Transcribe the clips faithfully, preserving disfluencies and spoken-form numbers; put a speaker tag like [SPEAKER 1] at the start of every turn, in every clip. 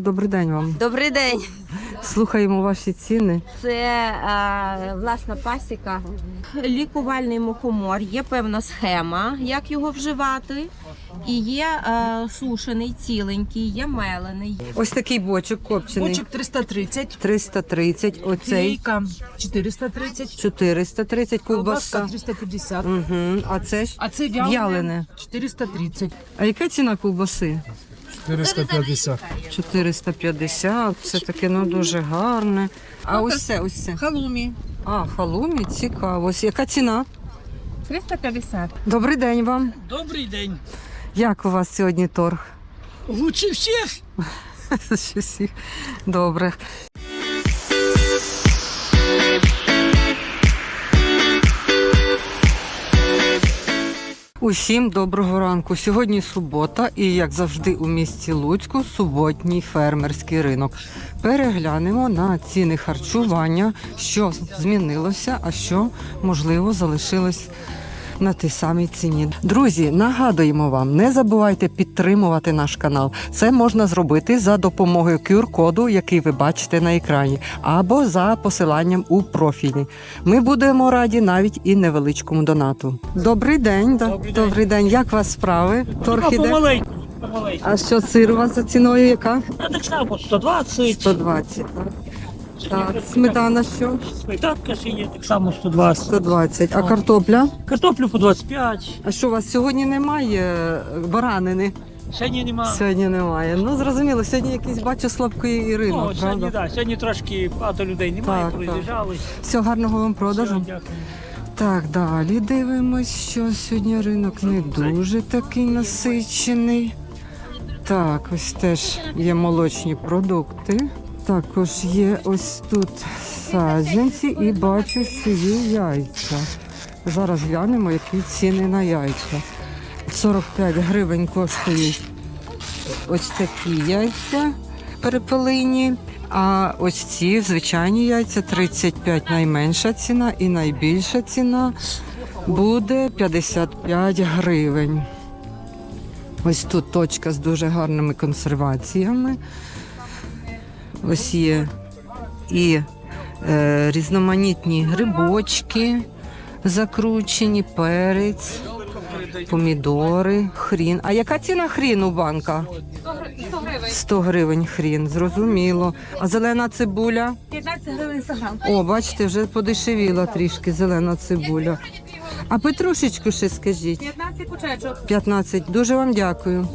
[SPEAKER 1] Добрий день вам.
[SPEAKER 2] Добрий день.
[SPEAKER 1] Слухаємо ваші ціни.
[SPEAKER 2] Це а, власна пасіка. Лікувальний мухомор. Є певна схема, як його вживати. І є а, сушений, ціленький, є мелений.
[SPEAKER 1] Ось такий бочок копчений.
[SPEAKER 3] Бочок триста тридцять,
[SPEAKER 1] триста тридцять. Оцей
[SPEAKER 3] філійка чотириста тридцять,
[SPEAKER 1] чотириста тридцять.
[SPEAKER 3] колбаска
[SPEAKER 1] Ковбаска.
[SPEAKER 3] триста п'ятдесят,
[SPEAKER 1] Угу. А це ж
[SPEAKER 3] а це
[SPEAKER 1] в'ялене.
[SPEAKER 3] вялене чотириста тридцять.
[SPEAKER 1] А яка ціна ковбаси?
[SPEAKER 4] чотириста п'ятдесят.
[SPEAKER 1] чотириста п'ятдесят. Все таке, ну, дуже гарне. А ось це, ось це.
[SPEAKER 3] Халумі
[SPEAKER 1] А, халумі, цікаво. Ось яка ціна?
[SPEAKER 2] триста п'ятдесят.
[SPEAKER 1] Добрий день вам.
[SPEAKER 5] Добрий день.
[SPEAKER 1] Як у вас сьогодні торг?
[SPEAKER 5] Лучше всіх.
[SPEAKER 1] Щось їх. Добре. Усім доброго ранку. Сьогодні субота і, як завжди, у місті Луцьку суботній фермерський ринок. Переглянемо на ціни харчування, що змінилося, а що, можливо, залишилось на тій самій ціні. Друзі, нагадуємо вам, не забувайте підтримувати наш канал. Це можна зробити за допомогою ку ар-коду, який ви бачите на екрані, або за посиланням у профілі. Ми будемо раді навіть і невеличкому донату. Добрий день. Да.
[SPEAKER 5] Добрий день.
[SPEAKER 1] Добрий день. Як у вас справи? Торг іде?
[SPEAKER 5] Помаленьку. Помаленьку.
[SPEAKER 1] А що сир у вас за ціною яка?
[SPEAKER 5] А так само сто двадцять.
[SPEAKER 1] сто двадцять. Так, так. Сметана що?
[SPEAKER 5] Сметанка ще є, так само сто двадцять.
[SPEAKER 1] сто двадцять. А картопля?
[SPEAKER 5] Картоплю по двадцять п'ять.
[SPEAKER 1] А що у вас сьогодні немає баранини?
[SPEAKER 5] Сьогодні нема.
[SPEAKER 1] Сьогодні немає. Ну, зрозуміло, сьогодні якийсь, бачу, слабкий
[SPEAKER 5] Ну,
[SPEAKER 1] ринок,
[SPEAKER 5] сьогодні,
[SPEAKER 1] правда?
[SPEAKER 5] да, сьогодні трошки багато людей немає,
[SPEAKER 1] Так,
[SPEAKER 5] проїжджали.
[SPEAKER 1] Всього гарного вам продажу.
[SPEAKER 5] Все, дякую.
[SPEAKER 1] Так, далі дивимось, що сьогодні ринок не дуже такий насичений. Так, ось теж є молочні продукти. Також є ось тут саджанці і бачу, що є яйця. Зараз глянемо, які ціни на яйця. сорок п'ять гривень коштують ось такі яйця перепелині. А ось ці звичайні яйця тридцять п'ять найменша ціна і найбільша ціна буде п'ятдесят п'ять гривень. Ось тут точка з дуже гарними консерваціями. Ось є і е, різноманітні грибочки закручені, перець, помідори, хрін. А яка ціна хріну банка? сто гривень хрін, зрозуміло. А зелена цибуля?
[SPEAKER 2] п'ятнадцять гривень за грам.
[SPEAKER 1] О, бачите, вже подешевіла трішки зелена цибуля. А петрушечку ще скажіть.
[SPEAKER 2] п'ятнадцять кучечок.
[SPEAKER 1] п'ятнадцять. Дуже вам дякую.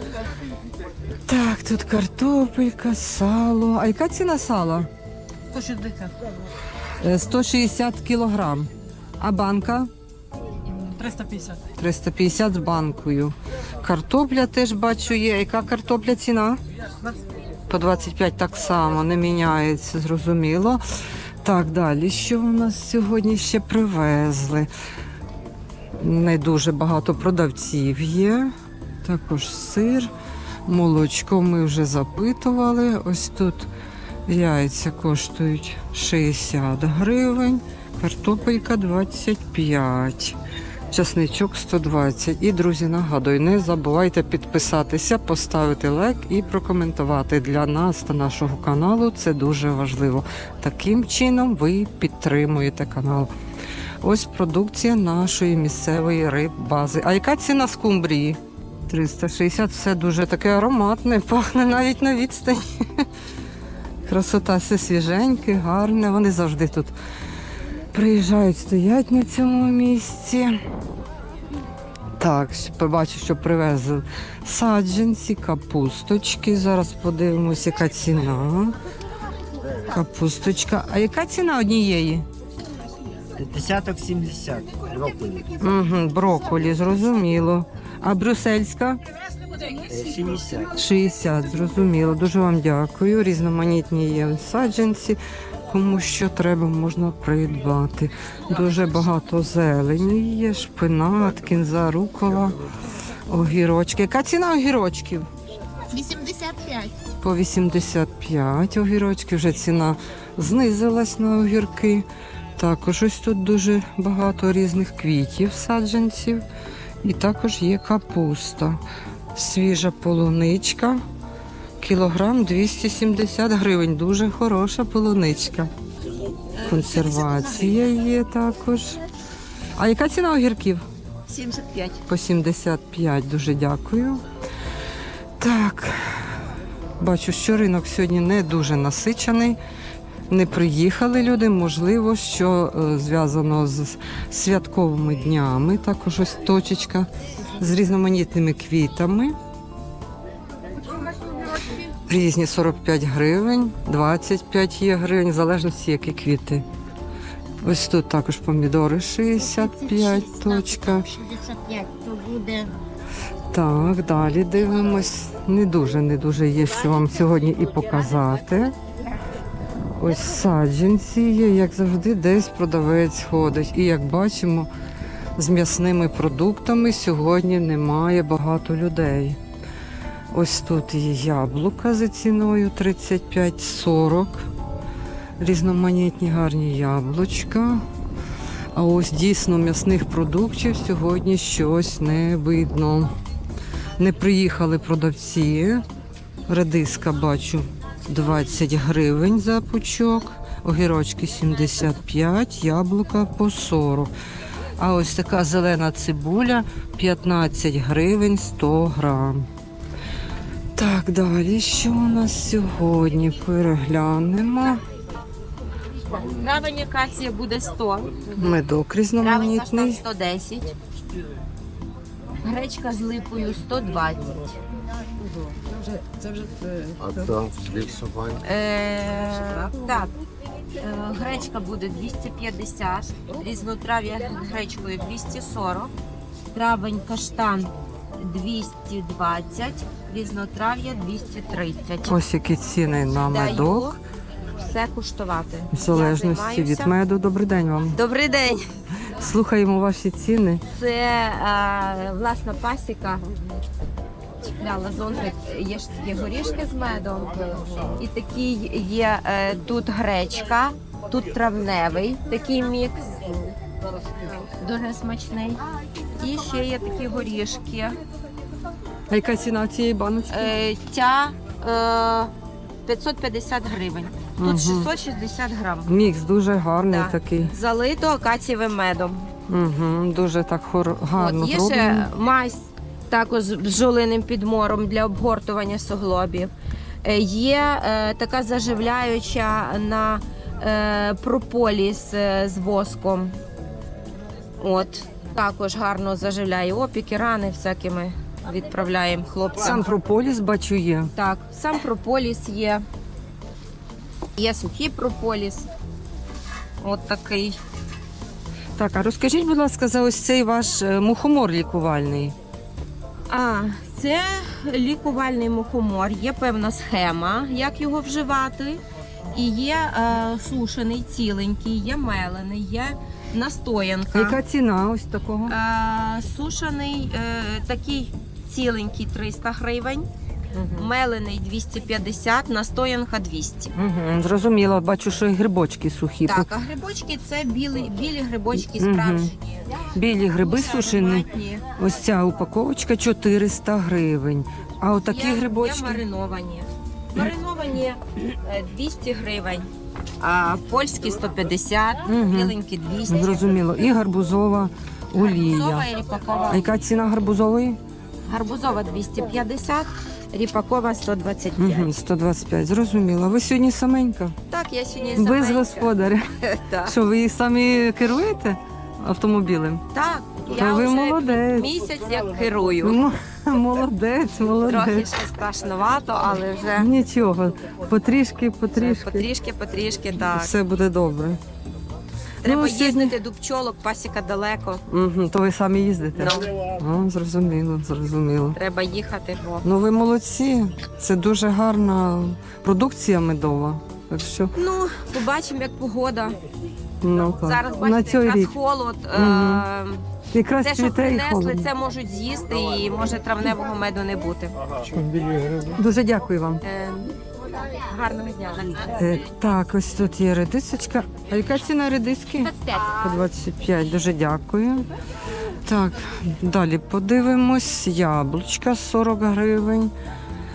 [SPEAKER 1] Так, тут картопелька, сало. А яка ціна сала?
[SPEAKER 3] сто шістдесят,
[SPEAKER 1] Е, сто шістдесят кілограм. А банка?
[SPEAKER 3] триста п'ятдесят.
[SPEAKER 1] триста п'ятдесят з банкою. Картопля теж бачу є. Яка картопля ціна? По двадцять п'ять так само, не міняється, зрозуміло. Так, далі, що у нас сьогодні ще привезли? Не дуже багато продавців є. Також сир, молочко ми вже запитували. Ось тут яйця коштують шістдесят гривень, картопелька двадцять п'ять. Часничок сто двадцять. І, друзі, нагадую, не забувайте підписатися, поставити лайк і прокоментувати. Для нас та нашого каналу це дуже важливо. Таким чином ви підтримуєте канал. Ось продукція нашої місцевої риббази. А яка ціна скумбрії? триста шістдесят. Все дуже таке ароматне, пахне навіть на відстані. Красота, все свіженьке, гарне. Вони завжди тут приїжджають, стоять на цьому місці. Так, побачу, що привезли саджанці, капусточки. Зараз подивимось, яка ціна. Капусточка. А яка ціна однієї?
[SPEAKER 6] Десяток сімдесят. Брокколі.
[SPEAKER 1] Угу, брокколі, зрозуміло. А брюссельська?
[SPEAKER 6] сімдесят.
[SPEAKER 1] шістдесят, зрозуміло. Дуже вам дякую. Різноманітні є саджанці. Кому що треба, можна придбати. Дуже багато зелені є, шпинат, кінза, рукола, огірочки. Яка ціна огірочків?
[SPEAKER 7] вісімдесят п'ять.
[SPEAKER 1] По вісімдесят п'ять огірочки. Вже ціна знизилась на огірки. Також ось тут дуже багато різних квітів, саджанців. І також є капуста. Свіжа полуничка. Кілограм двісті сімдесят гривень. Дуже хороша полуничка. Консервація є також. А яка ціна огірків?
[SPEAKER 2] сімдесят п'ять.
[SPEAKER 1] По сімдесят п'ять. Дуже дякую. Так. Бачу, що ринок сьогодні не дуже насичений. Не приїхали люди, можливо, що е, зв'язано з святковими днями. Також ось точечка з різноманітними квітами. Різні сорок п'ять гривень, двадцять п'ять є гривень, в залежності, які квіти. Ось тут також помідори шістдесят п'ять точка.
[SPEAKER 7] шістдесят п'ять, то буде.
[SPEAKER 1] Так, далі дивимось. Не дуже, не дуже є, що вам сьогодні і показати. Ось саджанці є, як завжди, десь продавець ходить. І як бачимо, з м'ясними продуктами сьогодні немає багато людей. Ось тут є яблука за ціною тридцять п'ять сорок. Різноманітні гарні яблучка. А ось дійсно м'ясних продуктів сьогодні щось не видно. Не приїхали продавці. Редиска бачу двадцять гривень за пучок, огірочки сімдесят п'ять, яблука по сорок. А ось така зелена цибуля п'ятнадцять гривень сто грам. Так, далі що у нас сьогодні? Переглянемо.
[SPEAKER 2] Травень акація буде сто.
[SPEAKER 1] Медок
[SPEAKER 2] Травень каштан
[SPEAKER 1] різноманітний.
[SPEAKER 2] сто десять. Гречка з липою сто двадцять.
[SPEAKER 4] А там фліксування.
[SPEAKER 2] Е, так, е, гречка буде двісті п'ятдесят, різнотрав'я гречкою двісті сорок, травень каштан двісті двадцять, різнотрав'я двісті тридцять.
[SPEAKER 1] Ось які ціни на
[SPEAKER 2] Даю
[SPEAKER 1] медок.
[SPEAKER 2] все куштувати.
[SPEAKER 1] В залежності
[SPEAKER 2] Я
[SPEAKER 1] від
[SPEAKER 2] займаюся.
[SPEAKER 1] меду. Добрий день вам.
[SPEAKER 2] Добрий день.
[SPEAKER 1] Слухаємо ваші ціни.
[SPEAKER 2] Це е, власна пасіка. Чіпляла зонтик, є, ж- є горішки з медом. І такий є е, тут гречка, тут травневий такий мікс. Дуже смачний. І ще є такі горішки.
[SPEAKER 1] А яка ціна цієї баночки?
[SPEAKER 2] Е, ця е, п'ятсот п'ятдесят гривень. Тут
[SPEAKER 1] Мгм.
[SPEAKER 2] шістсот шістдесят грам.
[SPEAKER 1] Мікс дуже гарний
[SPEAKER 2] Так.
[SPEAKER 1] такий.
[SPEAKER 2] Залито акацієвим медом.
[SPEAKER 1] Угу, дуже так хор... гарно
[SPEAKER 2] От, є
[SPEAKER 1] зроблено.
[SPEAKER 2] ще мазь також з бджолиним підмором для обгортування суглобів. Е, Є е, така заживляюча на е, прополіс е, з воском. От. Також гарно заживляє опіки, рани всякими відправляємо хлопцям.
[SPEAKER 1] Сам прополіс бачу є.
[SPEAKER 2] Так, сам прополіс є. Є сухий прополіс. От такий.
[SPEAKER 1] Так, а розкажіть, будь ласка, за ось цей ваш е, мухомор лікувальний.
[SPEAKER 2] А, це лікувальний мухомор. Є певна схема, як його вживати. І є е, сушений, ціленький, є мелений, є настоянка.
[SPEAKER 1] Яка ціна ось такого?
[SPEAKER 2] Е, сушений е, такий ціленький триста гривень, мелений двісті п'ятдесят, настоянка двісті.
[SPEAKER 1] Угу, зрозуміло, бачу, що і грибочки сухі.
[SPEAKER 2] Так, а грибочки це білі, білі грибочки
[SPEAKER 1] Мгм.
[SPEAKER 2] справжні.
[SPEAKER 1] Білі гриби сушені.
[SPEAKER 2] Ароматні.
[SPEAKER 1] Ось ця упаковочка чотириста гривень. А отакі
[SPEAKER 2] Є-
[SPEAKER 1] грибочки?
[SPEAKER 2] Є мариновані. Мариновані е, двісті гривень, а польські сто п'ятдесят,
[SPEAKER 1] Мгм.
[SPEAKER 2] біленькі двісті.
[SPEAKER 1] Зрозуміло. І гарбузова
[SPEAKER 2] Гарбузова
[SPEAKER 1] олія.
[SPEAKER 2] і ріпакова.
[SPEAKER 1] А яка ціна гарбузової?
[SPEAKER 2] Гарбузова двісті п'ятдесят, ріпакова сто двадцять п'ять.
[SPEAKER 1] Угу, сто двадцять п'ять. Зрозуміло. Ви сьогодні саменька?
[SPEAKER 2] Так, я сьогодні
[SPEAKER 1] Без
[SPEAKER 2] саменька.
[SPEAKER 1] господаря.
[SPEAKER 2] Так.
[SPEAKER 1] Що, ви самі керуєте автомобілем?
[SPEAKER 2] Так,
[SPEAKER 1] Та
[SPEAKER 2] я
[SPEAKER 1] ви
[SPEAKER 2] вже
[SPEAKER 1] молодець.
[SPEAKER 2] місяць як керую.
[SPEAKER 1] Ну, молодець,
[SPEAKER 2] Трохи
[SPEAKER 1] молодець.
[SPEAKER 2] ще страшновато, але вже
[SPEAKER 1] Нічого. Потрішки, потрішки.
[SPEAKER 2] потрішки, потрішки, так.
[SPEAKER 1] Все буде добре.
[SPEAKER 2] Треба
[SPEAKER 1] Ну, сьогодні-
[SPEAKER 2] їздити до пчолок, пасіка далеко.
[SPEAKER 1] Угу, то ви самі їздите?
[SPEAKER 2] Ну,
[SPEAKER 1] О, зрозуміло, зрозуміло.
[SPEAKER 2] треба їхати. Бо...
[SPEAKER 1] Ну ви молодці. Це дуже гарна продукція медова. Так що,
[SPEAKER 2] Ну, побачимо, як погода.
[SPEAKER 1] ну так.
[SPEAKER 2] Зараз
[SPEAKER 1] на
[SPEAKER 2] бачите,
[SPEAKER 1] цей
[SPEAKER 2] якраз
[SPEAKER 1] рік.
[SPEAKER 2] холод.
[SPEAKER 1] Мгм.
[SPEAKER 2] Е-
[SPEAKER 1] Якраз
[SPEAKER 2] Те, що
[SPEAKER 1] цвіте і
[SPEAKER 2] принесли,
[SPEAKER 1] холодно.
[SPEAKER 2] це можуть з'їсти і може травневого меду не бути.
[SPEAKER 1] Дуже дякую вам.
[SPEAKER 2] Е, гарного дня.
[SPEAKER 1] Е, так, ось тут є редисочка. А яка ціна редиски?
[SPEAKER 2] двадцять п'ять.
[SPEAKER 1] По двадцять п'ять. Дуже дякую. Так, далі подивимось. Яблучка сорок гривень.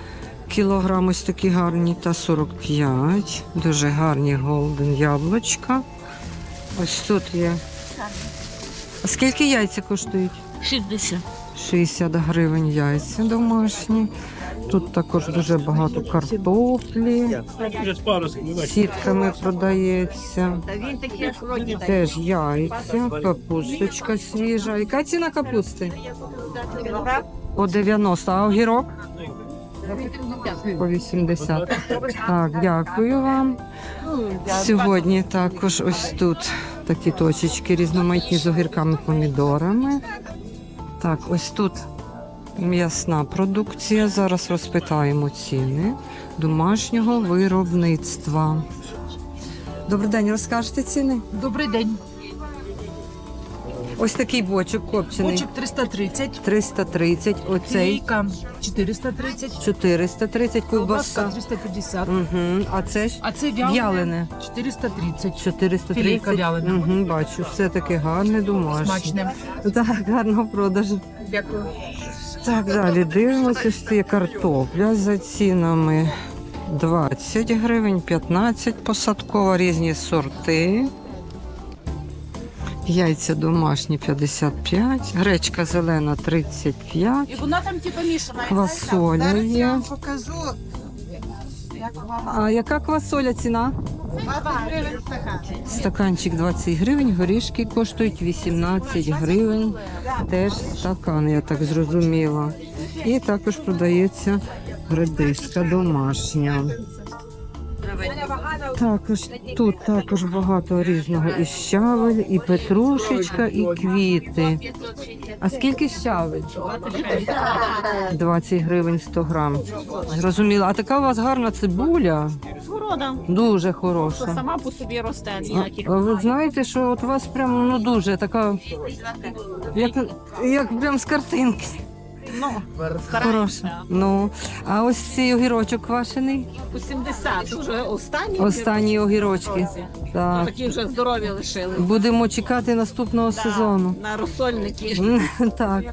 [SPEAKER 1] кілограм ось такі гарні та сорок п'ять. Дуже гарні голден яблучка. Ось тут є. А скільки яйця коштують?
[SPEAKER 3] шістдесят.
[SPEAKER 1] шістдесят гривень яйця домашні. Тут також дуже багато картоплі. Сітками продається. Теж яйця, капусточка свіжа. Яка ціна капусти? По дев'яносто. А огірок? По вісімдесят. Так, дякую вам. Сьогодні також ось тут такі точечки різноманітні з огірками, помідорами. Так, ось тут м'ясна продукція. Зараз розпитаємо ціни домашнього виробництва. Добрий день, розкажете ціни?
[SPEAKER 3] Добрий день.
[SPEAKER 1] Ось такий бочок копчений.
[SPEAKER 3] Бочок триста тридцять.
[SPEAKER 1] триста тридцять, оцей
[SPEAKER 3] Філейка чотириста тридцять.
[SPEAKER 1] чотириста тридцять,
[SPEAKER 3] Ковбаска
[SPEAKER 1] ковбаса.
[SPEAKER 3] триста п'ятдесят.
[SPEAKER 1] Угу. А це ж
[SPEAKER 3] А це вялене.
[SPEAKER 1] вялене.
[SPEAKER 3] чотириста тридцять.
[SPEAKER 1] чотириста
[SPEAKER 3] Філейка
[SPEAKER 1] тридцять.
[SPEAKER 3] вялена.
[SPEAKER 1] Угу, бачу, все таке гарне, домашнє.
[SPEAKER 3] Смачне.
[SPEAKER 1] Так, гарного продажу.
[SPEAKER 3] Дякую.
[SPEAKER 1] Так, далі дивимося, ось є картопля за цінами двадцять гривень, п'ятнадцять посадкова, різні сорти. Яйця домашні п'ятдесят п'ять, гречка зелена тридцять п'ять,
[SPEAKER 3] І вона там типу мішана.
[SPEAKER 1] квасоля є.
[SPEAKER 8] Покажу.
[SPEAKER 1] А яка квасоля ціна? Стаканчик двадцять гривень, горішки коштують вісімнадцять гривень. Теж стакан, я так зрозуміла. І також продається редиска домашня. Також тут також багато різного і щавель, і петрушечка, і квіти. А скільки щавель? двадцять гривень сто грам. Зрозуміло. А така у вас гарна цибуля?
[SPEAKER 9] Города.
[SPEAKER 1] Дуже хороша.
[SPEAKER 9] Сама по собі росте.
[SPEAKER 1] А,
[SPEAKER 9] Ніяких.
[SPEAKER 1] а ви знаєте, що от у вас прям ну дуже така, як, як прям з картинки.
[SPEAKER 9] Ну,
[SPEAKER 1] Хороша. Ну, а ось цей огірочок квашений?
[SPEAKER 9] по сімдесят. Уже останні.
[SPEAKER 1] Останні огірочки. Так.
[SPEAKER 9] Такі вже здорові лишили.
[SPEAKER 1] Будемо чекати наступного сезону.
[SPEAKER 9] На розсольники.
[SPEAKER 1] М, Так.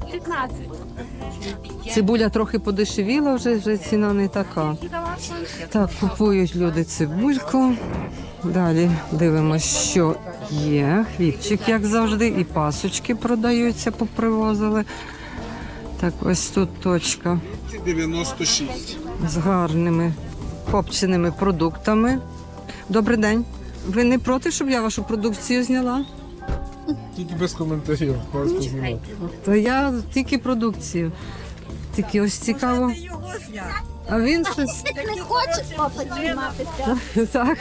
[SPEAKER 1] Цибуля трохи подешевіла, вже, вже ціна не така. Так, купують люди цибульку. Далі дивимося, що є. Хлібчик, як завжди, і пасочки продаються, попривозили. Так, ось тут точка
[SPEAKER 10] дев'яносто шість.
[SPEAKER 1] з гарними копченими продуктами. Добрий день. Ви не проти, щоб я вашу продукцію зняла?
[SPEAKER 10] Тільки без коментарів. Просто знімати.
[SPEAKER 1] То я тільки продукцію. Тільки ось цікаво. А він щось.
[SPEAKER 7] Не хочеш папа зніматися?
[SPEAKER 1] Так.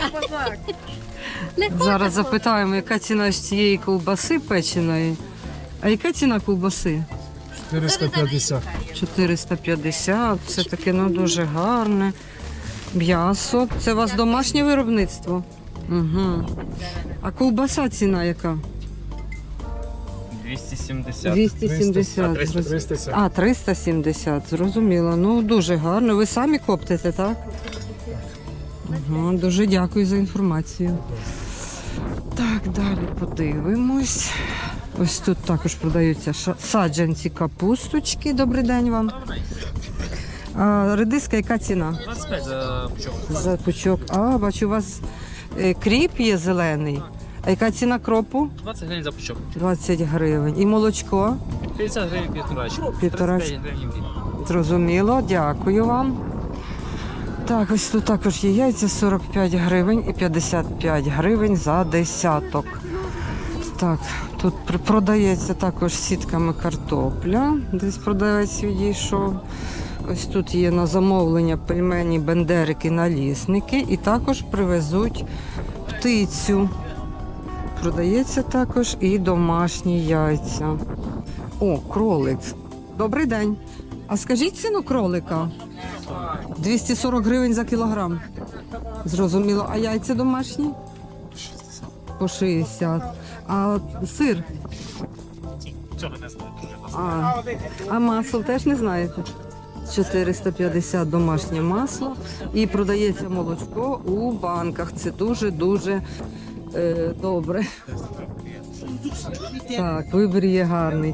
[SPEAKER 1] Зараз запитаємо, яка ціна з цієї ковбаси печеної. А яка ціна ковбаси?
[SPEAKER 10] чотириста п'ятдесят.
[SPEAKER 1] чотириста п'ятдесят. Це таке ну, дуже гарне. М'ясо. Це у вас домашнє виробництво? Угу. А ковбаса ціна яка?
[SPEAKER 11] двісті сімдесят.
[SPEAKER 1] двісті сімдесят.
[SPEAKER 10] триста сімдесят.
[SPEAKER 1] А, триста сімдесят, зрозуміло. Ну, дуже гарно. Ви самі коптите, так? Ага, дуже дякую за інформацію. Так, далі подивимось. Ось тут також продаються ша- саджанці капусточки. Добрий день вам. А редиска, яка ціна?
[SPEAKER 11] двадцять п'ять за пучок.
[SPEAKER 1] За пучок. А, бачу, у вас е, кріп є зелений. А яка ціна кропу?
[SPEAKER 11] двадцять гривень за пучок.
[SPEAKER 1] двадцять гривень. І молочко?
[SPEAKER 11] п'ятдесят гривень півторачок.
[SPEAKER 1] Півтора-
[SPEAKER 11] тридцять п'ять гривень в
[SPEAKER 1] Зрозуміло, дякую вам. Так, ось тут також є яйця сорок п'ять гривень і п'ятдесят п'ять гривень за десяток. Так, тут при- продається також сітками картопля. Десь продавець відійшов. Ось тут є на замовлення пельмені, бендерики, налісники. І також привезуть птицю. Продається також і домашні яйця. О, кролик. Добрий день. А скажіть ціну кролика? двісті сорок гривень за кілограм. Зрозуміло. А яйця домашні? По шістдесят. А сир?
[SPEAKER 11] Цього не знаю.
[SPEAKER 1] А, а масло теж не знаєте? чотириста п'ятдесят домашнє масло. І продається молочко у банках. Це дуже-дуже е, добре. Так, вибір є гарний.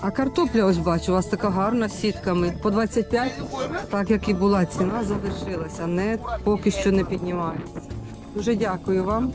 [SPEAKER 1] А картопля, ось бачу, у вас така гарна з сітками. По двадцять п'ять, так як і була ціна, залишилася. Не, поки що не піднімається. Дуже дякую вам.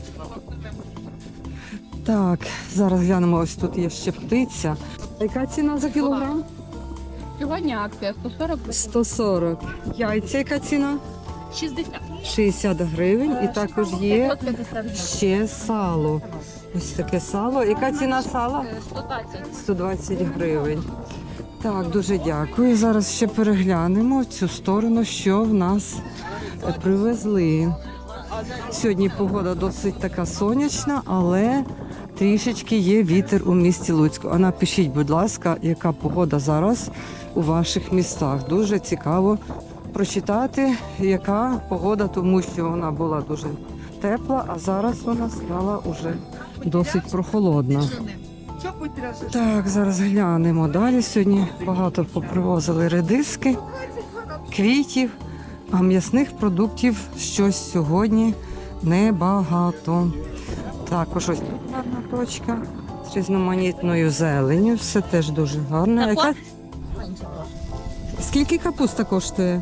[SPEAKER 1] Так, зараз глянемо, ось тут є ще птиця. Яка ціна за кілограм?
[SPEAKER 3] Сьогодні акція сто сорок.
[SPEAKER 1] сто сорок. Яйця яка ціна?
[SPEAKER 3] шістдесят.
[SPEAKER 1] шістдесят гривень. І також є ще сало. Ось таке сало. Яка ціна сала?
[SPEAKER 3] сто двадцять.
[SPEAKER 1] сто двадцять гривень. Так, дуже дякую. Зараз ще переглянемо в цю сторону, що в нас привезли. Сьогодні погода досить така сонячна, але трішечки є вітер у місті Луцьку. А напишіть, будь ласка, яка погода зараз у ваших містах. Дуже цікаво прочитати, яка погода, тому що вона була дуже тепла, а зараз вона стала уже досить прохолодна. Так, зараз глянемо далі. Сьогодні багато попривозили редиски, квітів, а м'ясних продуктів щось сьогодні небагато. Також ось тут гарна точка з різноманітною зеленню. Все теж дуже гарно. Яка... Скільки капуста коштує?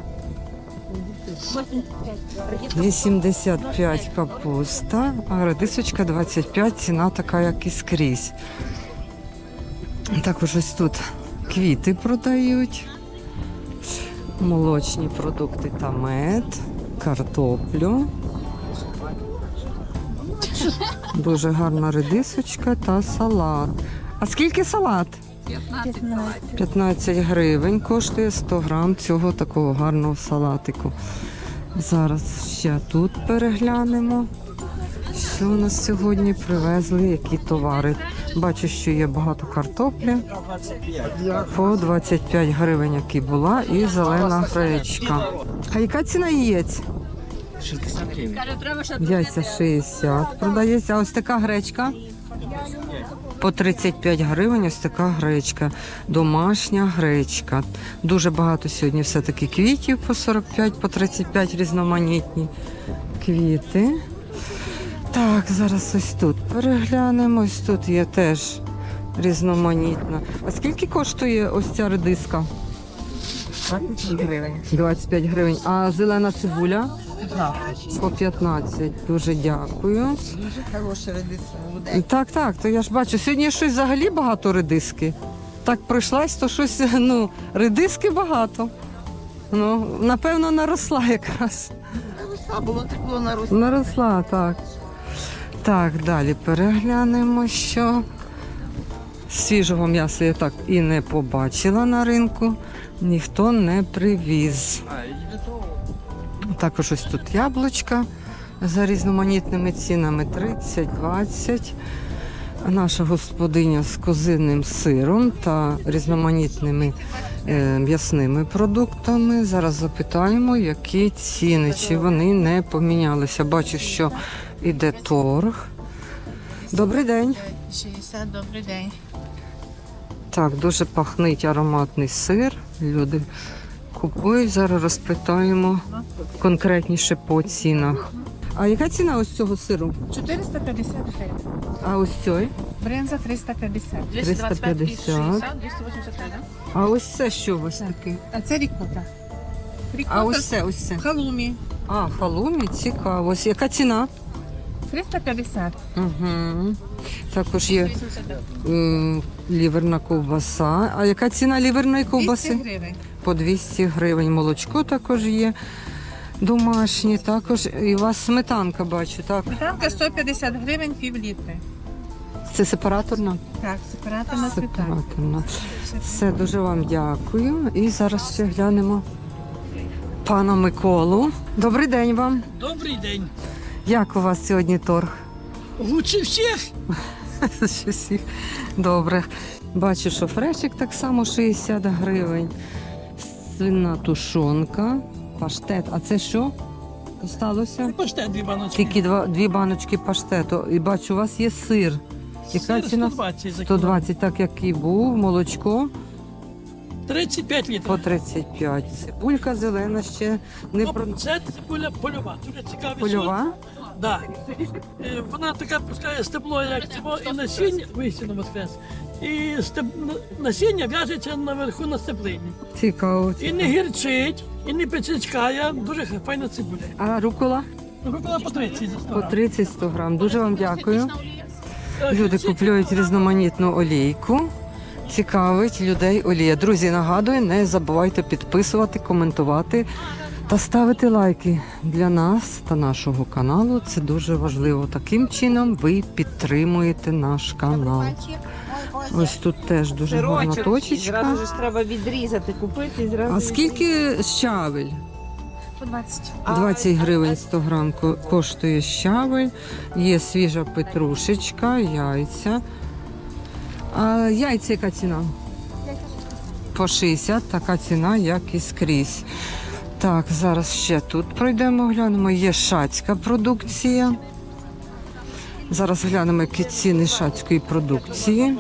[SPEAKER 1] вісімдесят п'ять капуста, а редисочка двадцять п'ять, ціна така, як і скрізь. Також ось тут квіти продають, молочні продукти та мед, картоплю. Дуже гарна редисочка та салат. А скільки салат? п'ятнадцять гривень коштує сто грам цього такого гарного салатику. Зараз ще тут переглянемо, що у нас сьогодні привезли, які товари. Бачу, що є багато картоплі. По двадцять п'ять гривень, які була, і зелена гречка. А яка ціна яєць?
[SPEAKER 6] шістдесят гривень.
[SPEAKER 1] Яйця шістдесят продається. А ось така гречка? По тридцять п'ять гривень ось така гречка. Домашня гречка. Дуже багато сьогодні все-таки квітів по сорок п'ять, по тридцять п'ять різноманітні квіти. Так, зараз ось тут переглянемо. Ось тут є теж різноманітна. А скільки коштує ось ця редиска?
[SPEAKER 6] двадцять гривень.
[SPEAKER 1] двадцять п'ять гривень. А зелена цибуля? По п'ятнадцять. Дуже дякую.
[SPEAKER 6] Дуже хороша редиска.
[SPEAKER 1] Так, так, то я ж бачу. Сьогодні щось взагалі багато редиски. Так пройшлась, то щось, ну, редиски багато. Ну, напевно, наросла якраз.
[SPEAKER 6] Наросла, було тепло, наросла.
[SPEAKER 1] Наросла, так. Так, далі переглянемо, що свіжого м'яса я так і не побачила на ринку. Ніхто не привіз. Також ось тут яблучка за різноманітними цінами тридцять, двадцять. Наша господиня з козиним сиром та різноманітними е, м'ясними продуктами. Зараз запитаємо, які ціни, чи вони не помінялися. Бачу, що іде торг. Добрий день.
[SPEAKER 3] шістдесят, добрий день.
[SPEAKER 1] Так, дуже пахнить ароматний сир. Люди купують. Зараз розпитаємо конкретніше по цінах. А яка ціна ось цього сиру?
[SPEAKER 3] чотириста п'ятдесят гривень.
[SPEAKER 1] А ось цей?
[SPEAKER 3] Бринза триста п'ятдесят.
[SPEAKER 1] триста п'ятдесят.
[SPEAKER 3] двісті вісімдесят три, да?
[SPEAKER 1] А ось це що у вас таке?
[SPEAKER 3] А це рікота.
[SPEAKER 1] А ось це, ось це.
[SPEAKER 3] халумі.
[SPEAKER 1] А, халумі, цікаво. Ось яка ціна?
[SPEAKER 3] триста п'ятдесят.
[SPEAKER 1] Угу. Також є е, ліверна ковбаса. А яка ціна ліверної ковбаси?
[SPEAKER 3] двісті гривень.
[SPEAKER 1] По двісті гривень. Молочко також є. Домашні також. І у вас сметанка, бачу, так?
[SPEAKER 3] Сметанка сто п'ятдесят гривень, пів літри.
[SPEAKER 1] Це сепараторна?
[SPEAKER 3] Так, сепараторна сметанка.
[SPEAKER 1] Сепараторна. Все, дуже вам дякую. І зараз ще глянемо пана Миколу. Добрий день вам.
[SPEAKER 5] Добрий день.
[SPEAKER 1] Як у вас сьогодні торг?
[SPEAKER 5] Лучше всіх.
[SPEAKER 1] Що всіх? Добре. Бачу, що фрешик так само шістдесят гривень. Свинна тушонка, паштет. А це що? Осталося?
[SPEAKER 5] Паштет дві баночки.
[SPEAKER 1] Тільки два, дві баночки паштету. І бачу, у вас є сир. Яка
[SPEAKER 5] Сир
[SPEAKER 1] ціна?
[SPEAKER 5] сто двадцять за
[SPEAKER 1] сто двадцять, так як і був. Молочко.
[SPEAKER 5] тридцять п'ять літрів.
[SPEAKER 1] По тридцять п'ять. Цибулька зелена ще не
[SPEAKER 5] Ну,
[SPEAKER 1] про...
[SPEAKER 5] Це цибуля польова. Дуже цікавий
[SPEAKER 1] Польова?
[SPEAKER 5] сорт. Да. Е, Вона така пускає стебло, як цього, і насіння, вистину воскрес. І стеб... насіння в'яжеться наверху на стеблині.
[SPEAKER 1] Цікаво.
[SPEAKER 5] І не гірчить, і не печечкає. Дуже файна цибуля.
[SPEAKER 1] А рукола?
[SPEAKER 5] Рукола по тридцять. за сто
[SPEAKER 1] По
[SPEAKER 5] грам.
[SPEAKER 1] тридцять сто грам. Дуже вам дякую.
[SPEAKER 5] Е,
[SPEAKER 1] Люди
[SPEAKER 5] ці-
[SPEAKER 1] купують різноманітну олійку. Цікавить людей олія. Друзі, нагадую, не забувайте підписувати, коментувати та ставити лайки для нас та нашого каналу. Це дуже важливо. Таким чином ви підтримуєте наш канал. Ось тут теж дуже гарна точечка.
[SPEAKER 2] Зразу ж треба відрізати, купити і зразу.
[SPEAKER 1] А скільки щавель?
[SPEAKER 3] По двадцять.
[SPEAKER 1] двадцять гривень сто грам ко- коштує щавель. Є свіжа петрушечка, яйця. А яйця яка ціна? По шістдесят, така ціна, як і скрізь. Так, зараз ще тут пройдемо, глянемо. Є шацька продукція. Зараз глянемо, які ціни шацької продукції.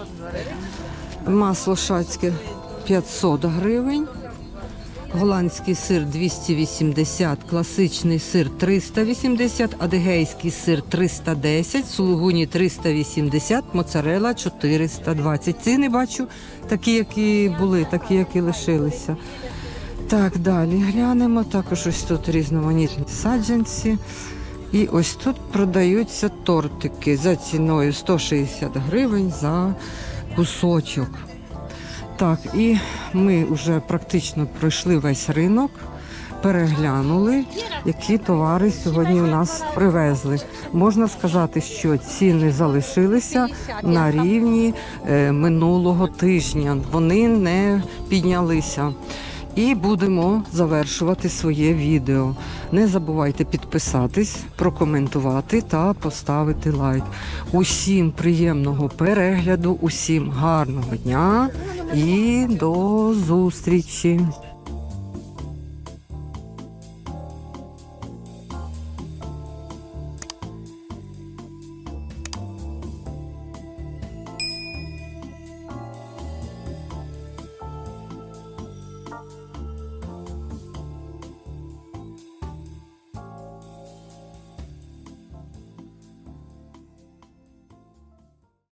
[SPEAKER 1] Масло шацьке п'ятсот гривень. Голландський сир двісті вісімдесят, класичний сир триста вісімдесят, адигейський сир триста десять, сулугуні триста вісімдесят, моцарелла чотириста двадцять. Ціни бачу такі, які були, такі, які лишилися. Так, далі глянемо. Також ось тут різноманітні саджанці. І ось тут продаються тортики за ціною сто шістдесят гривень за кусочок. Так, і ми вже практично пройшли весь ринок, переглянули, які товари сьогодні у нас привезли. Можна сказати, що ціни залишилися на рівні е, минулого тижня. Вони не піднялися. І будемо завершувати своє відео. Не забувайте підписатись, прокоментувати та поставити лайк. Усім приємного перегляду, усім гарного дня і до зустрічі!